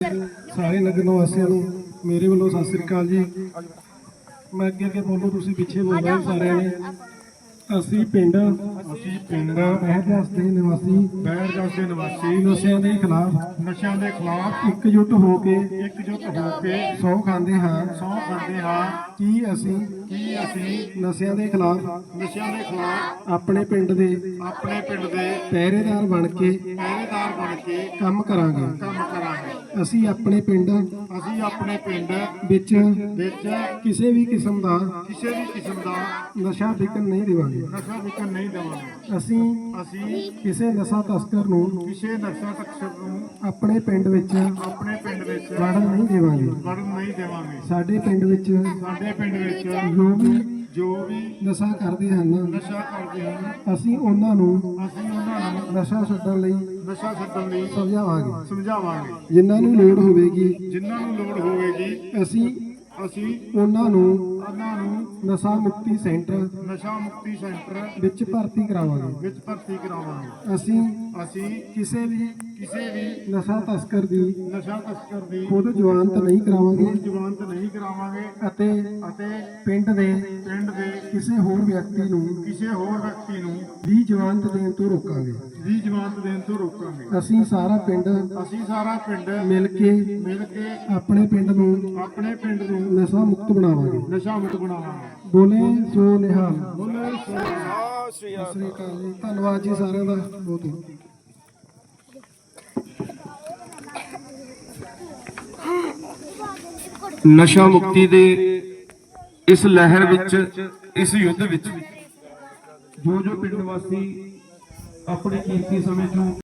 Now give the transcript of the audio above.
ਸਾਰੇ ਨਗਰ ਨਿਵਾਸੀਆਂ ਨੂੰ ਮੇਰੇ ਵੱਲੋਂ ਸਤਿ ਸ੍ਰੀ ਅਕਾਲ ਜੀ। ਮੈਂ ਅੱਗੇ ਬੋਲੋ, ਤੁਸੀਂ ਪਿੱਛੇ ਬੋਲੋ ਸਾਰਿਆਂ ਨੇ। ਅਸੀਂ ਪਿੰਡ ਬਹਿਰਦਾਸ ਦੇ ਨਿਵਾਸੀ ਨਸ਼ਿਆਂ ਦੇ ਖਿਲਾਫ ਇਕਜੁੱਟ ਹੋ ਕੇ ਸਹੁੰ ਖਾਂਦੇ ਹਾਂ ਕਿ ਅਸੀਂ ਨਸ਼ਿਆਂ ਦੇ ਖਿਲਾਫ ਆਪਣੇ ਪਿੰਡ ਦੇ ਪਹਿਰੇਦਾਰ ਬਣ ਕੇ ਕੰਮ ਕਰਾਂਗੇ। ਅਸੀਂ ਆਪਣੇ ਪਿੰਡ ਵਿੱਚ ਕਿਸੇ ਵੀ ਕਿਸਮ ਦਾ ਨਸ਼ਾ ਵਿਕਣ ਨਹੀਂ ਦੇਵਾਂਗੇ। ਅਸੀਂ ਕਿਸੇ ਨਸ਼ਾ ਤਸਕਰ ਨੂੰ ਆਪਣੇ ਪਿੰਡ ਵਿੱਚ ਵੜਨ ਨਹੀਂ ਦੇਵਾਂਗੇ। ਸਾਡੇ ਪਿੰਡ ਵਿੱਚ ਜੋ ਵੀ ਨਸ਼ਾ ਕਰਦੇ ਹਨ ਅਸੀਂ ਉਹਨਾਂ ਨੂੰ ਨਸ਼ਾ ਛੱਡਣ ਲਈ ਸਮਝਾਵਾਂਗੇ। ਜਿਨ੍ਹਾਂ ਨੂੰ ਲੋੜ ਹੋਵੇਗੀ ਅਸੀਂ ਉਹਨਾਂ ਨੂੰ ਨਸ਼ਾ ਮੁਕਤੀ ਸੈਂਟਰ ਵਿੱਚ ਭਰਤੀ ਕਰਾਵਾਂਗੇ। ਅਸੀਂ ਕਿਸੇ ਵੀ ਨਸ਼ਾ ਤਸਕਰ ਦੀ ਖੁਦ ਜ਼ਮਾਨਤ ਨਹੀਂ ਕਰਾਵਾਂਗੇ ਅਤੇ ਪਿੰਡ ਦੇ ਕਿਸੇ ਹੋਰ ਵਿਅਕਤੀ ਨੂੰ ਵੀ ਜ਼ਮਾਨਤ ਦੇਣ ਤੋਂ ਰੋਕਾਂਗੇ। ਅਸੀਂ ਸਾਰਾ ਪਿੰਡ ਮਿਲ ਕੇ ਆਪਣੇ ਪਿੰਡ ਨੂੰ ਨਸ਼ਾ ਮੁਕਤ ਬਣਾਵਾਂਗੇ। ਬੋਲੇ ਸੋ ਨਿਹਾਲ। ਸਤਿ ਸ੍ਰੀ ਅਕਾਲ ਜੀ। ਧੰਨਵਾਦ ਜੀ ਸਾਰਿਆਂ ਦਾ ਬਹੁਤ ਬਹੁਤ। ਨਸ਼ਾ ਮੁਕਤੀ ਦੇ ਇਸ ਲਹਿਰ ਵਿੱਚ, ਇਸ ਯੁੱਧ ਵਿੱਚ ਜੋ ਪਿੰਡ ਵਾਸੀ ਆਪਣੇ ਕੀਮਤੀ ਸਮੇਂ ਤੋਂ